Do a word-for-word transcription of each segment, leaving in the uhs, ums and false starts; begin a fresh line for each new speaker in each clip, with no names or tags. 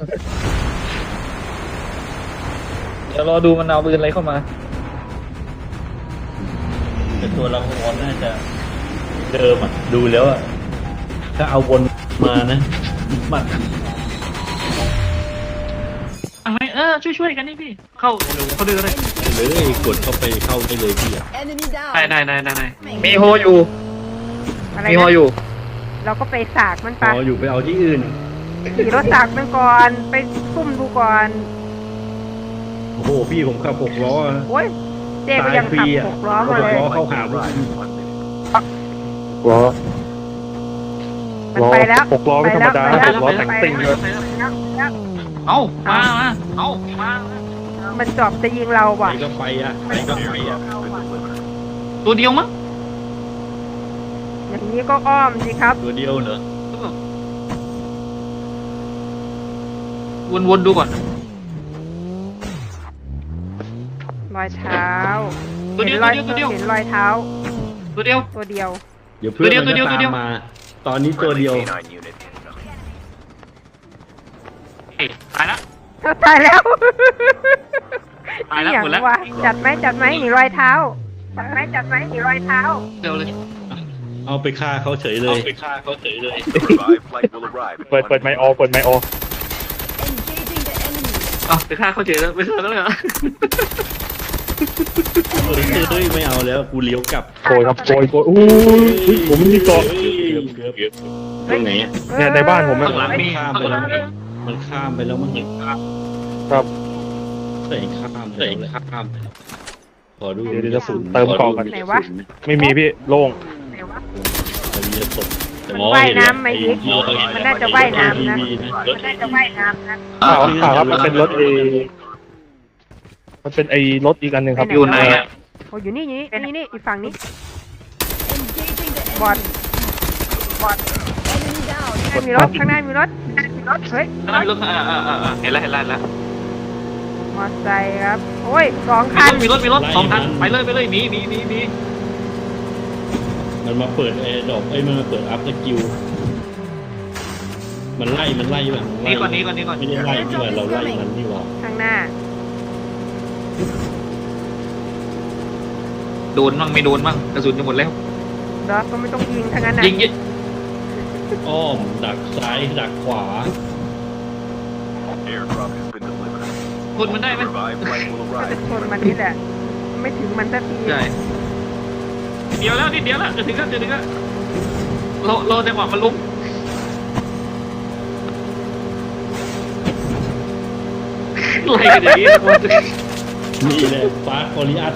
เดี๋ยวรอดูมันเอาปืนอะไรเข้ามา
แต่ตัวเราคอนน่าจะเดิมอ่ะดูแล้วอ่ะถ้าเอาวนมานะมัน
อะไรเออช่วยช่วยกันนี่พี่เข้าเดี๋ยวเขาดูเลย
เลยกดเข้าไปเข้าได้เลยพี่อ่ะ
Enemy down.
ได้ได้ได้ได้ได้มีโฮอยู่
อะไร
มีโฮ
นะ
อยู่
เราก็ไปสากมัน
พ
ปะ
ออยู่ไปเอาที่อื่น
ขี่รถสากมันก่อนไปซุ่มดูก่อน
โอ้โหพี่ผมขับหกล้อ
โอ้ยเจ๊ก็ยังขับหกล้อมาเลย
หกล้อเข้าหาว่า
ล้อ
มันไปแล้ว
หกล้อไม่ธรรมดา
ไปแล้ว
หกล้อแต่งติ่งเลย
เอามามาเอามา
มันจอบจะยิงเรา
ไป
ว่ะ
ก็ไปอ่ะไปก็ไปอ่ะ
ตัวเดียวมั้ง
อย่างนี้ก็อ้อมสิครับ
ตัวเดียวเหรอ
วนวนดูก่อน
รอยเท้า
ตัวเดี
เห็
ย
น
ว
รอย
ตัวเดียว
เห็นรอยเท้า
ตัวเดียว
ตัวเดียว
เดี๋ยวเพื่อนมัน
ตัวเดียว
จะ
ตัวเดี
ตา
ยว
มมา ตอนนี้ตัวเดียว
เอ้ยตายละ
ตายแล้ว
ตายแล้ว
อย่าง
หมดแล้ว
วะจัดไหมจัดไหมหนีรอยเท้า จัดไหมจัดไหมหนีรอยเท้า
เดี๋ยวเลย
เอาไปฆ่าเขาเฉยเลย
ไปฆ่าเขาเฉยเลย
เปิดเปิดไมค์ออเปิดไมค์ออ
Engaging the enemy.
เอาไปฆ่าเขาเฉยแล้วไปฆ่าเขาเลยเหรอ
เออเฮ้ยไม่เอาแล้วกูเลี้ยวกลับ
โกยครับโกยโกยอู้ยผมไม่มีเกาะ
เกือบเกือบเกือบตรงไหนอ่ะ
เนี่ยในบ้านผมอะ
ข้างหลังมี
ข้าม
ข้าง
ไป
หลั
แล้
ง
ว
มี
มันข้ามไปแล้วมัน
ครับ
เตะข้ามเตะข้ามไปแล้วขอดู
เดี๋ยวเดี๋ยวจะสูญเติมเกาะกัน
ไหนวะ
ไม่มีพี่โล่ง
ไหนวะ
ขอดูจะสด
มันว่ายน้ำไหมอีกมันน่าจะว่ายน้ำนะ
ทีวี
มันน่าจะว่ายน้ำนะ
ข่าวข่าวครับมันเป็นรถเอมันเป็นไอ้รถอีกอันหนึ่งครับ
อยู่ไหนอ่ะ
โอ้อยู่นี่อยู่นี่นี่นี่อีกฝั่งนี้
Engaging the
บอด
enemy.
บอด
Enemy down.
ข้างหน้ามีรถข้างหน้ามีรถมีรถเฮ้ย
ข้างหน้ามีรถอ่าอ่าอ่าเห็นแล้วเห็นแล้วเห็นแล้ว
มอเตอร์ไซค์ครับ โอ้ยสองคัน
มีรถมีรถสองคันไปเลยไปเลยหนีหนีหนีหนี
มันมาเปิดแอร์ดรอปเอ้ยมันมาเปิดอัพสกิลมันไล่มันไล่แบบ
หนีก่อนหนีก่อนหนีก่อน
ไม่ได้ไล่ที่ว่าเราไล่มันนี่หว่า
ข้างหน้า
โดนมั่งไม่โดนมั่งกระสุนจะหมดแล้ว
เดี๋ยวก็ไม่ต้องยิงทั้งนั้นนะ
ยิงยิง
อ้อมดักซ้ายดักขวา
คนมันได้ไหม
ก็จะชนมันนี่แหละ ไม่ถึงมันสักที
ใช่เดียวแล้วนิดเดียวแล้วจะถึงแล้วจะถึงแล้วรอรอจังหวะมันล้มไล่กันอย่างนี้
นี่แหละฟาสคอริอัส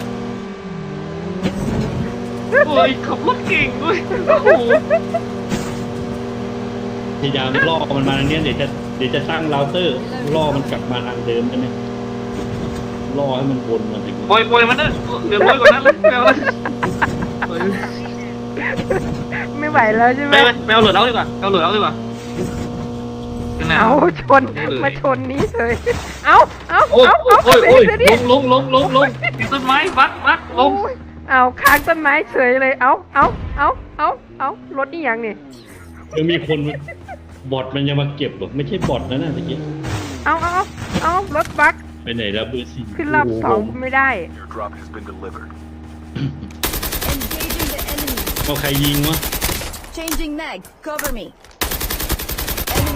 โอ้ยขับรถเก่งด้วยโอ้โห
พยายามล่อมันมาทางเนี้ยเดี๋ยวจะเดี๋ยวจะตั้งเราเตอร์ล่อมันกลับมาทางเดิมใช่ไหมล่อให้มันวนมาถึง
ปล่อยปล่อยมันนะเดี๋ยวปล่อยก่อนนะเลยแมวเลย
ไม่ไหวแล้วใช่ไหม
แมวแมวหลุดเอาดีกว่าแมวหลุดเอาดีกว่าข้างหน้า
เอาชนมาชนนี้เลยเอาเอา
โอ้ย
เอา
โอ้
เอา
ยโอ้ย
เสี
โอ้
ย
ย
ดิ
ลงลงลงลงลงติดต้นไม้บักบักลง
โอ้ยเอาค้างต้นไม้เฉยเลย เอาเอาเอาเอาเอารถนี่ยังนี่
ยังมีคนบอทมันยังมาเก็บหรอไม่ใช่บอทนะน่ะตะกี้
เอาเอาเอาเอารถบัก
ไปไหนแล้วเบอร์สี่
ขึ้นรอบสองไม่ได้
Engaging the enemy.
เอาใครยิงวะ
Changing mag. Cover me. Enemy.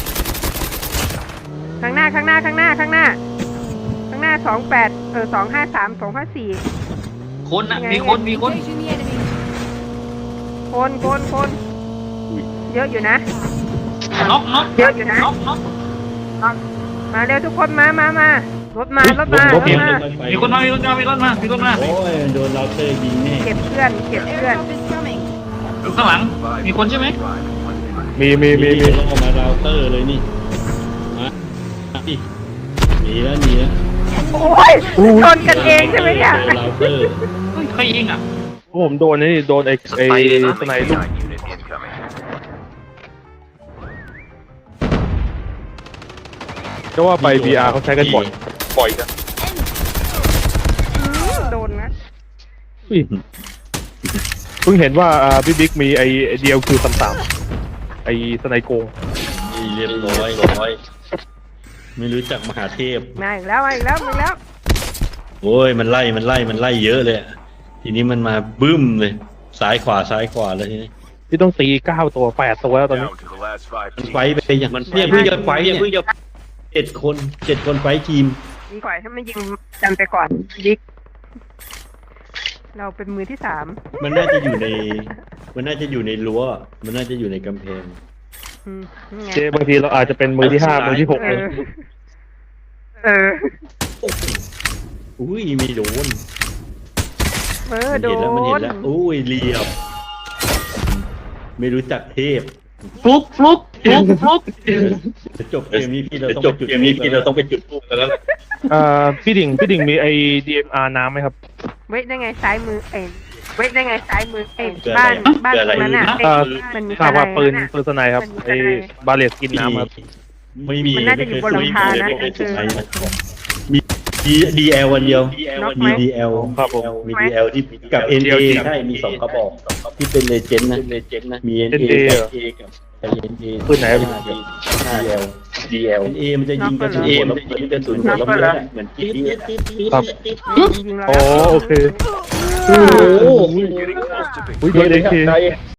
ข้างหน้าข้างหน้าข้างหน้าข้างหน้า ข้างหน้าสองแปดเออสองห้าสามสองห้าสี่
คนนะมีคนมีคน
Engaging the enemy.
คนคนคน
อุ้ย
เยอะอยู่นะ
น็อกน็อก
เยอะอยู่นะ
น็อกน็อก
มาเร็วทุกคนมามามารถมารถมารถมา
มีคนมามีคนมามีคนมามีคนมา
โอ้ยโดนเราเตอร์ยิงแน่
เก็บเพื่อนเก็บเพื่อน
Airdrop is coming.
อยู่ข้างหลังมีคนใช่ไหม
มีมีมีมี
ล่อมาเราเตอร์เลยนี่มาดิหนีแล้วหนีแล้ว
โอ้ยชนกันเองใช่ไหมเนี่ย
โดนเราเตอร์
เฮ้ยใครยิงอ่ะ
ผมโดนนี่โดนไอ้ไอ้
ไปเลยนะ
สไนลูกก็ว่าไป บี อาร์ เขาใช้กันบ่อยบ่อยนะ
อืมโดนนะ
อุ้ยเพิ่งเห็นว่าอ่าพี่บิ๊กมีไอ้ ดี แอล คิว สามสามไอ้สไนโกง
นี่เรียบร้อยร้อยไม่รู้จักมหาเทพ
มาอีกแล้วมาอีกแล้วมาอีกแล้ว
โอ้ยมันไล่มันไล่มันไล่เยอะเลยอะทีนี้มันมาบึ้มเลยซ้ายขวาซ้ายขวาเลยทีนี้
ที่ต้องตีเก้าตัวแปดตัวแล้วตอนนี้
Down to the last five
มัน
teams.
ไฟท์ไปอย่างมันเนี่ยเพิ่งจะไฟท์เนี่ยเพิ่งจะเจ็ดคนเจ็ดคนไฟท์ทีม
ยิงก่อนให้มันยิงจันไปก่อนยิกเราเป็นมือที่สาม
มันน่าจะอยู่ใน มันน่าจะอยู่ในรั้ว มันน่าจะอยู่ในกำแพง
อืมนี่ไง
เจบางทีเราอาจจะเป็นมือที่ห้ามือที่หก
เอ
เลย
อเออ
อุ้ยไม่โดน
เออ
มัน
โด
เห็นแล้วมันเห็น
น
แล้วอุ้ยเรียบ ไม่รู้จักเทพ
ฟลุกฟลุกฟลุกฟลุก
จะจบเกมนี้พี่เราต้องจบเกมนี้พี่เราต้องไปจุดทูบกันแล้ว
เอ่อพี่ดิ่งพี่ดิ่งมีไอดีเอ็มอาร์น้ำไหมครับ
เว้ยได้ไงซ้ายมือเอ็นเว้ยได้ไงซ้ายมือเอ็น
เกิด
บ้าน
อะไร
บ้าน
เกิดอะไร
ตรงนั้นอ่ะ
เอ่อ
มันมี
ทราบว่าปืน
อะไระ
ปืนสไนครับ
มันมี
ไอ
อะไร
บาเลตกินน้ำครับ
ไม่มี
มันน่าจะอยู่บนหลังคานะ
ไม่เคยใช้นะมีดีเอลวันเดียว
น็อกไหม
มีดีเอล
ครับผม
มีดีเอลที่กับเอ็นเอใช่มีสองกระบอกที่เป็นเลเจนด์นะเลเจนด์นะมีเอ็นเอ
เอ็น เอ
กับเอกับเอ็นเอ
ปืนไหนครับ
ดีเอลดีเอลเอ็นเอมันจะยิงกระสุนหัวแล้วมันจะยิงกระสุนหัวแล้วมันจะเหมือนกิ๊ก
ครับ
ยิงเรา
โอ้
แล้ว
โอเค
โอ้โห
Getting close to victory.
อุ้ยโดนเอ็กเค